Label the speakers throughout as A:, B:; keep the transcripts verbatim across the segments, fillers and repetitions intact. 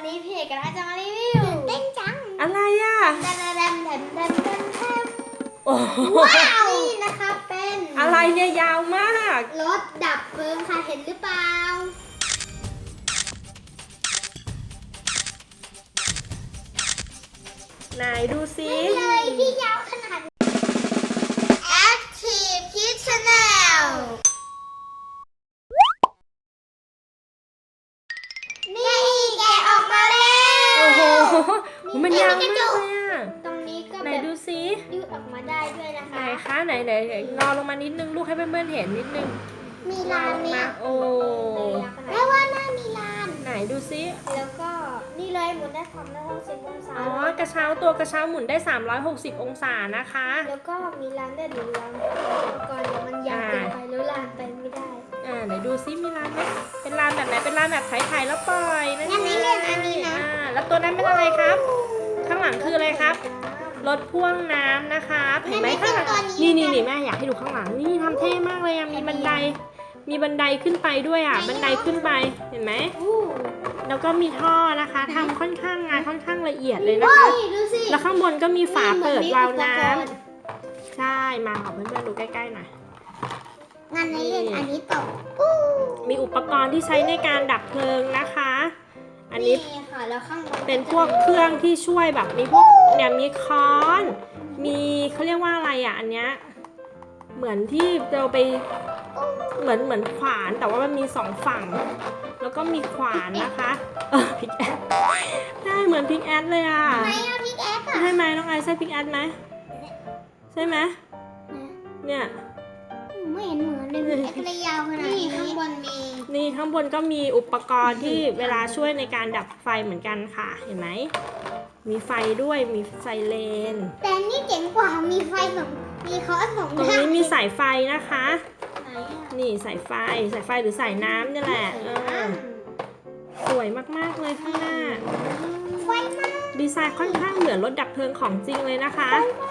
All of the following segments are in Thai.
A: นี้พี่เอกกำลังจะมารีวิวเต้นจัง
B: อะไรอ่ะ
A: แดนแดนแดนแดนแดนแดน
B: โอ้โห
A: ว้าวนี่นะคะเป็น
B: อะไรเนี่ยยาวมาก
A: รถดับเพลิงค่ะเห็นหรือเปล่า
B: ไหนดูสิ
A: เลยที่ยาวขนาด Active Kids Channel นี่แกะออกมาแล้ว
B: โอ้โหมันยาวมากเลยอ่ะ
A: ตรงนี้ก็
B: ไหน
A: แบบ
B: ดูสิ
A: ยืดออกมาได้ด้วยนะ
B: ไหน
A: คะ
B: คะไหนไหนไหนงอลงมานิดนึงลูกให้เพื่อนๆเห็นนิดนึง
A: มีลานเนี่ย
B: โอ้
A: แม่ว่าน่ามีลาน
B: ไหนดูสิ
A: แล้วก็นี่เลยหมุนได้สามร้อยหกสิบองศา
B: อ๋อกระเช้าตัวกระเช้าหมุนได้สามร้อยหกสิบองศานะคะ
A: แล้วก็มีลานได้หรือลานก่อนเดี๋ยวมันยาวเกินไปแล้วลานไปไม่ได้
B: อ่าไหนดูซิมีร้านไหมเป็นร้านแบบไหนเป็นร้านแบบถ่ายๆแล้วปล่อยนั่น
A: งั้นนี่เล่นอันนี้นะ
B: อ่าแล้วตัวนั้นเป็นอะไรครับ ข้างหลังคืออะไรครับรถพ่วงน้ำนะคะเห็นไหมข้างหลังนี่นี่นี่แม่อยากให้ดูข้างหลังนี่ทำเท่มากเลยอ่ะมีบันไดมีบันไดขึ้นไปด้วยอ่ะบันไดขึ้นไปเห็นไหม
A: อู้
B: แล้วก็มีท่อนะคะทำค่อนข้างงานค่อนข้างละเอียดเลยนะคะ
A: ดูสิ
B: แล้วข้างบนก็มีฝาเปิดวาล์วน้ำใช่มาขอเพื่อนๆดูใกล้ๆหน่อย
A: งั้นในเล่นอันนี้ต่อ
B: มีอุปกรณ์ที่ใช้ในการดับเพลิงนะคะ อันนี้
A: ค่ะแล้วข้างบน
B: เป็นพวกเครื่องที่ช่วยแบบมีพวกเนี่ยมีค้อน มีเขาเรียกว่าอะไรอ่ะอันเนี้ยเหมือนที่เราไปเหมือนเหมือนขวานแต่ว่ามันมีสองฝั่ง แล้วก็มีขวานนะคะเออพิกแอดใช่เหมือนพิกแอดเลยอ่ะ
A: ไหนอะพิกแอคอะ
B: ใช่ไหมน้องไอซ์ใช่พิกแอดไหมใช่ไหมเนี่ย
A: ไม่เห็นเหมือนเลยพิกแอคเลยยาวขนาดนี้ข้างบนมี
B: นี่ข้างบนก็มีอุปกรณ์ที่เวลาช่วยในการดับไฟเหมือนกันค่ะเห็นไหมมีไฟด้วยมีไซเรน
A: แต่นี่เจ๋งกว่ามีไฟสองมีคอร์สสอง
B: ตรงนี้มีสายไฟนะคะ
A: ไหนอะ
B: นี่สายไฟสายไฟหรือสายน้ำนี่แหละเออสวยมากๆเลยข้างหน้า
A: ไฟมาก
B: ดีไซน์ค่อนข้างเหมือนรถดับเพลิงของจริงเลยนะคะ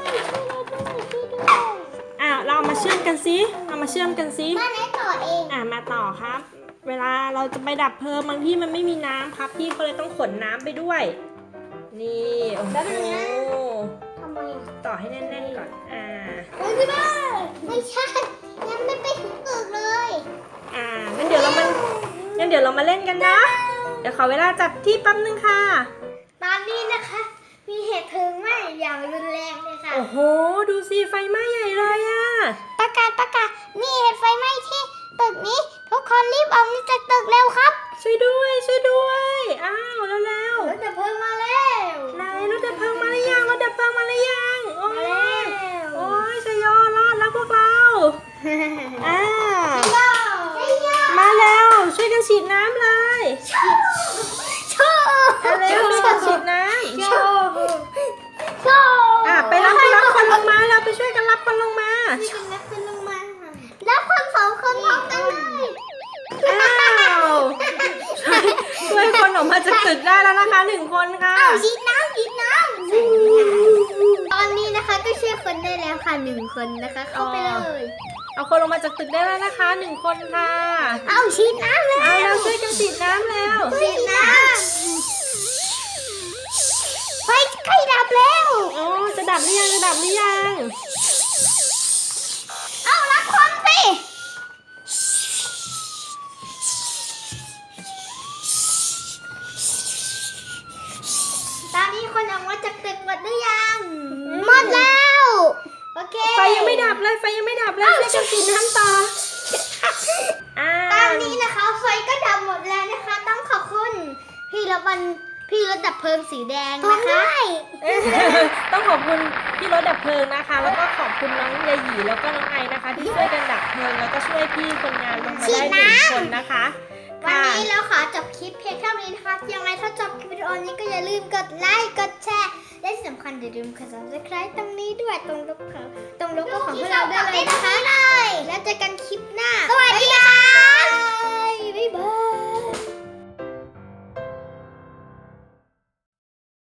B: อ่ะเราเอามาเชื่อมกันซิเอามาเชื่อมกันซิ
A: บ้านไหนต่อเอง
B: อ่ะมาต่อครับ เวลาเราจะไปดับเพลิงบางที่มันไม่มีน้ำครับพี่ก็เลยต้องขนน้ำไปด้วย นี่โอ้โห
A: ทำไมอะ
B: ต่อให้แน่นๆก่อนอ่า
A: เฮ้ยพี่บ้าไม่ใช่ยังไม่ไปถึงตึกเลย
B: อ่างั้นเดี๋ยวเรามางั้นเดี๋ยวเรามาเล่นกันนะ เดี๋ยวขอเวลาจับที่แป๊บนึงค่ะ
A: ตอนนี้นะคะ มีเหตุเพลิงไหม้อย่างรุนแรงเลยค่ะ
B: โอ้โห ดูสิไฟไหม้ใหญ่เลยอะ
A: ประกาศประกาศมีเหตุไฟไหม้ที่ตึกนี้ทุกคนรีบออกจากตึกเร็วครับ
B: ช่วยด้วยช่วยด้วย อ้าวแล้วแล้ว
A: รถดับเพลิงมาแล้ว
B: ไหนรถดับเพลิงมาหรือยังรถดับเพลิงมาหรือยังโอ้
A: มาย แล้ว
B: โอ้ยชยโยรอดแล้วพวกเราอ่า
A: โย่โย่
B: มาแล้วช่วยกันฉีดน้ำเลย
A: โชว์
B: เอาเร็วช่วยกันฉีดน้
A: โชว์โชว์
B: ำอ่ะไปรับไปรับคนลงมาเราไปช่วยกันรับคนลงมา
A: นี่เป็นนักขึ้นลงมาแล้วคนสองคนพร้อมกันเลย
B: อ้าวช่วยคนออกมาจากตึกได้แล้วนะคะหนึ่งคนค่ะ
A: อ้าวฉีดน้ำฉีดน้ำตอนนี้นะคะก็ช่วยคนได้แล้วค่ะหนึ่งคนนะคะ เข้าไปเลย
B: เอาคนลงมาจากตึกได้แล้วนะคะหนึ่งคนค่ะ
A: เอาฉีดน้ำเลย
B: เอาเราช่วยกันฉีดน้ำแล้ว
A: ฉีดน้ำไฟใกล้ดับแล้ว
B: โอ้จะดับหรือยังจะดับหรือยัง
A: เอาละคนสิตอนนี้คนออกมาจากตึกหมดหรือยังหมดแล้วโอเค
B: ไฟยังไม่ดับเลยไฟยังไม่ดับเลยช่วยกันฉีดน้ำต่ออ่า
A: ตอนนี้นะคะไฟก็ดับหมดแล้วนะคะ ต้องขอบคุณพี่รถบันพี่รถดับเพลิงสีแดงนะคะ
B: ต้องขอบคุณพี่รถดับเพลิงนะคะ แล้วก็ขอบคุณน้องยาหยีแล้วก็น้องไอนะคะ ที่ช่วยกันดับเพลิงแล้วก็ช่วยพี่คนงานลงมาได้หนึ่งคนนะคะ
A: วัน
B: ค่ะ
A: นี้เราขอจบคลิปเพียงเท่านี้นะคะยังไงถ้าจบคลิปวิดีโอนี้ก็อย่าลืมกดไลค์กดแชร์และที่สำคัญอย่าลืมกด ซับสไครบ์ ตรงนี้ด้วยตรงรูปของตรงโลโก้ของพวกเราได้เลยนะคะแล้วเจอกันคลิปหน้าสวัสดีค่ะ